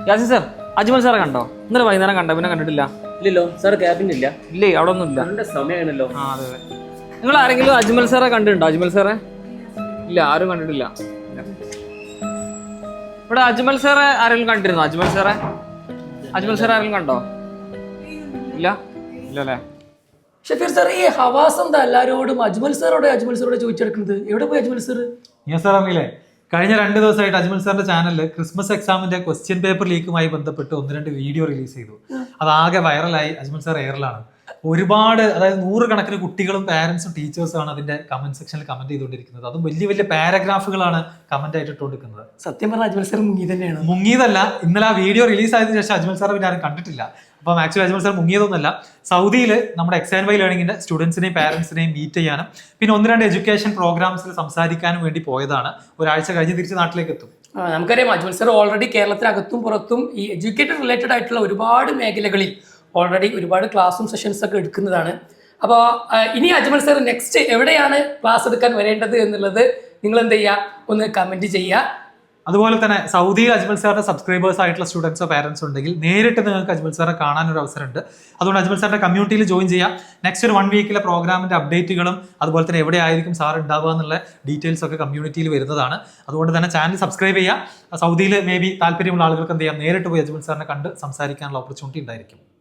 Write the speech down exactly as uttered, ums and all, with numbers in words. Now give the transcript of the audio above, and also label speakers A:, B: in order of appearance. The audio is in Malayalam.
A: യാസിൻ സാർ, അജ്മൽ സാറെ കണ്ടോ? ഇന്നലെ വൈകുന്നേരം കണ്ടോ? പിന്നെ കണ്ടിട്ടില്ല.
B: ഇല്ലല്ലോ സാർ, ക്യാബിനില്ല.
A: ഇല്ലേ, അവിടെ ഒന്നും ഇല്ല.
B: നല്ല സമയമാണല്ലോ.
A: ആ അതെ അതെ. നിങ്ങൾ ആരെങ്കിലും അജ്മൽ സാറെ കണ്ടിട്ടുണ്ടോ? അജ്മൽ സാറെ ഇല്ല, ആരും കണ്ടിട്ടില്ല. ഇവിടെ അജ്മൽ സാറെ ആരെങ്കിലും കണ്ടിരുന്നോ? അജ്മൽ സാറെ അജ്മൽ സാറെ ആരെങ്കിലും കണ്ടോ? ഇല്ല ഇല്ല അല്ലേ?
C: ഷഫീർ സാർ, ഈ ഹവാസ് എന്താ എല്ലാവരോടും അജ്മൽ സാറോടെ അജ്മൽ സാറോടെ ചോദിച്ചെടുക്കുന്നത്? എവിടെ പോയി അജ്മൽ സാർ?
D: ഞാൻ സാർ അറിയില്ലേ, കഴിഞ്ഞ രണ്ട് ദിവസമായിട്ട് അജ്മൽ സാറിന്റെ ചാനലിൽ ക്രിസ്മസ് എക്സാമിന്റെ ക്വസ്റ്റ്യൻ പേപ്പർ ലീക്കുമായി ബന്ധപ്പെട്ട് ഒന്ന് രണ്ട് വീഡിയോ റിലീസ് ചെയ്തു. അതാകെ വൈറലായി. അജ്മൽ സാർ എയറിലാണ്. ഒരുപാട്, അതായത് നൂറുകണക്കിന് കുട്ടികളും പാരന്റ്സും ടീച്ചേഴ്സും ആണ് അതിന്റെ കമന്റ് സെക്ഷനിൽ കമന്റ് ചെയ്തുകൊണ്ടിരിക്കുന്നത്. അതും വലിയ വലിയ പാരഗ്രാഫുകളാണ് കമന്റ് ആയിട്ട് ഇട്ടുകൊണ്ടിരിക്കുന്നത്.
C: സത്യം പറഞ്ഞാൽ അജ്മൽ സാർ മുങ്ങി തന്നെയാണ്.
D: മുങ്ങിയതല്ല, ഇന്നലെ ആ വീഡിയോ റിലീസ് ആയതിനു ശേഷം അജ്മൽ സാർ പിന്നെ ആരും കണ്ടിട്ടില്ല. അപ്പം ആക്ച്വലി അജ്മൽ സാർ മുങ്ങിയതൊന്നുമല്ല. സൗദിയിൽ നമ്മുടെ എക്സ് ആൻഡ് വൈ ലേണിംഗിന്റെ സ്റ്റുഡൻസിനെയും പാരന്റ്സിനെയും മീറ്റ് ചെയ്യാനും പിന്നെ ഒന്ന് രണ്ട് എഡ്യൂക്കേഷൻ പ്രോഗ്രാംസിൽ സംസാരിക്കാനും വേണ്ടി പോയതാണ്. ഒരാഴ്ച കഴിഞ്ഞ് തിരിച്ച് നാട്ടിലേക്ക് എത്തും.
C: നമുക്കറിയാം അജ്മൽ സാർ ഓൾറെഡി കേരളത്തിനകത്തും പുറത്തും ഈ എഡ്യൂക്കേറ്റഡ് റിലേറ്റഡ് ആയിട്ടുള്ള ഒരുപാട് മേഖലകളിൽ ഓൾറെഡി ഒരുപാട് ക്ലാസ്സും സെഷൻസ് ഒക്കെ എടുക്കുന്നതാണ്. അപ്പോൾ ഇനി അജ്മൽ സാർ നെക്സ്റ്റ് എവിടെയാണ് ക്ലാസ് എടുക്കാൻ വരേണ്ടത് എന്നുള്ളത് നിങ്ങൾ എന്ത് ചെയ്യുക, ഒന്ന് കമന്റ് ചെയ്യുക.
D: അതുപോലെ തന്നെ സൗദിയിൽ അജ്മൽ സാറിന്റെ സബ്സ്ക്രൈബേഴ്സ് ആയിട്ടുള്ള സ്റ്റുഡൻസോ പാരന്റ്സോ ഉണ്ടെങ്കിൽ നേരിട്ട് നിങ്ങൾക്ക് അജ്മൽ സാറെ കാണാൻ ഒരു അവസരമുണ്ട്. അതുകൊണ്ട് അജ്മൽ സാറിന്റെ കമ്മ്യൂണിറ്റിയിൽ ജോയിൻ ചെയ്യാം. നെക്സ്റ്റ് ഒരു വൺ വീക്കിലെ പ്രോഗ്രാമിന്റെ അപ്ഡേറ്റുകളും അതുപോലെ തന്നെ എവിടെ ആയിരിക്കും സാർ ഉണ്ടാവുക എന്നുള്ള ഡീറ്റെയിൽസ് ഒക്കെ കമ്മ്യൂണിറ്റിയിൽ വരുന്നതാണ്. അതുകൊണ്ട് തന്നെ ചാനൽ സബ്സ്ക്രൈബ് ചെയ്യുക. സൗദിയിൽ മേ ബി താല്പര്യമുള്ള ആളുകൾക്ക് എന്ത് ചെയ്യാം, നേരിട്ട് പോയി അജ്മൽ സാറിനെ കണ്ട് സംസാരിക്കാനുള്ള ഓപ്പർച്യൂണിറ്റി ഉണ്ടായിരിക്കും.